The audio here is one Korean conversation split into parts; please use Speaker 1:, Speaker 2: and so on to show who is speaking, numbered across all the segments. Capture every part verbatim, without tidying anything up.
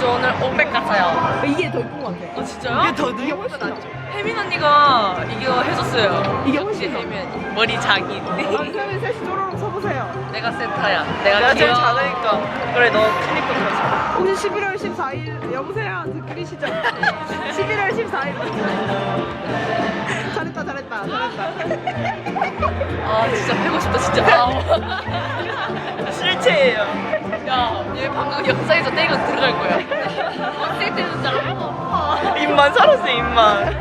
Speaker 1: 저 오늘 오백 갔어요.
Speaker 2: 이게 더 이쁜 것 같아.
Speaker 1: 아 진짜요?
Speaker 2: 이게 더 이게 훨씬 낫죠.
Speaker 1: 혜민 언니가 이거 해줬어요.
Speaker 2: 이게
Speaker 1: 역시
Speaker 2: 훨씬 더.
Speaker 1: 혜민 머리 장인.
Speaker 2: 남편이 셋이 쪼로록 서보세요.
Speaker 1: 내가 센터야. 내가,
Speaker 3: 내가 제일
Speaker 1: 귀여워.
Speaker 3: 작으니까. 그래, 너 크니까 그러지.
Speaker 2: 혹시 십일월 십사일 여보세요? 들리시죠? 십일월 십사일 잘했다 잘했다 잘했다.
Speaker 1: 아 진짜 패고 싶다 진짜. 아우.
Speaker 3: 실체예요.
Speaker 1: 야, 얘 방금 영상에서 떼고 들어갈 거야. 어떻게 되는 줄 알아?
Speaker 3: 입만 살았어, 입만.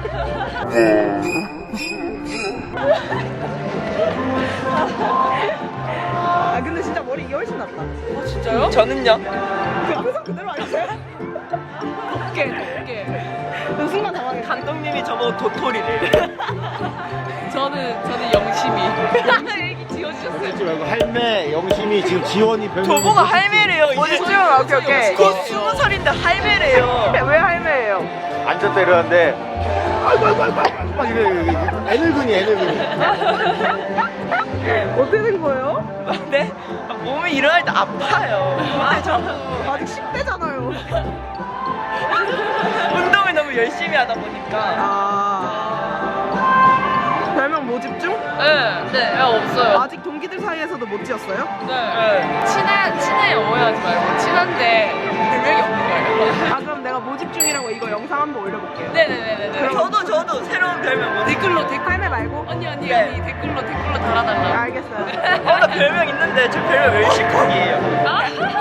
Speaker 2: 아 근데 진짜 머리 이게 훨씬 낫다.
Speaker 1: 아 진짜요?
Speaker 3: 저는요?
Speaker 2: 그 항상 그대로 아니세요?
Speaker 1: 곱게 곱게.
Speaker 2: 그 순간 당황했어.
Speaker 3: 감독님이 저보고 도토리를.
Speaker 1: 저는 저는 영심이. 애기 지어주셨어요.
Speaker 4: 그러지 말고 할매 영심이 지금 지원이 별명
Speaker 3: 저보고 할매래요. 이제
Speaker 2: 지원 오케이 오케이.
Speaker 3: 곧 스무 살인데 할매래요.
Speaker 2: 왜 할매예요?
Speaker 4: 앉았다 일어났는데 아이고 아이고 아이고 아이고 막 이래 이래, 이래. 애늙은이 애늙은이
Speaker 2: 어떻게 된 거예요?
Speaker 3: 네? 몸이 일어날 때 아파요. 근데 저
Speaker 2: 아직 십 대잖아요.
Speaker 3: 운동을 너무 열심히 하다 보니까.
Speaker 2: 아 별명 모집중?
Speaker 1: 네, 네, 야, 없어요.
Speaker 2: 아직 동기들 사이에서도 못 지었어요?
Speaker 1: 네. 친해 친해 오해하지 말고 친한데 별명이 없는 거예요.
Speaker 2: 아 그럼 내가 모집중이라고 이거 영상 한번 올려볼게요.
Speaker 1: 네네네네.
Speaker 3: 저도 저도 새로운 별명 뭐.
Speaker 1: 댓글로 댓글.
Speaker 2: 할매 말고?
Speaker 1: 언니 언니
Speaker 3: 네.
Speaker 1: 언니 댓글로 댓글로 달아달라.
Speaker 2: 알겠어요.
Speaker 3: 어, 나 별명 있는데 저 별명 멸시콕이에요.
Speaker 1: 아?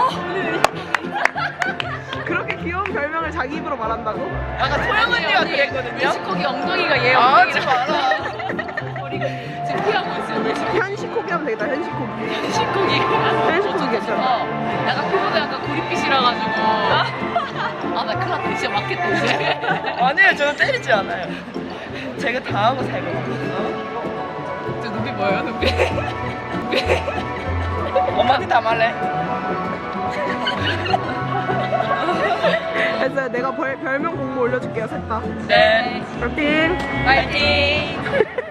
Speaker 2: 그렇게 귀여운 별명을 자기 입으로 말한다고?
Speaker 3: 아까 소영 언니가 그랬거든요.
Speaker 1: 멜시코기 엉덩이가 얘
Speaker 3: 아, 하지
Speaker 1: 엉덩이랑
Speaker 3: 마라.
Speaker 1: 머리가 지금 피하고 있어요. 멜시코.
Speaker 2: 현시코기 하면 되겠다. 현시코기.
Speaker 1: 멜시코기.
Speaker 2: 멜시코기 괜찮아.
Speaker 1: 어, 약간 피부가 약간 구릿빛이라 가지고. 아 나 큰일 났다. 진짜 맞겠다 이제.
Speaker 3: 아니에요, 저는 때리지 않아요. 제가 다 하고 살거든요.
Speaker 1: 저 눈빛 뭐예요 눈빛? 눈빛.
Speaker 3: 엄마한테 다 말래.
Speaker 2: 됐어요. 내가 벌, 별명 공모 올려줄게요. 셋 다.
Speaker 3: 네.
Speaker 2: 파이팅!
Speaker 1: 파이팅.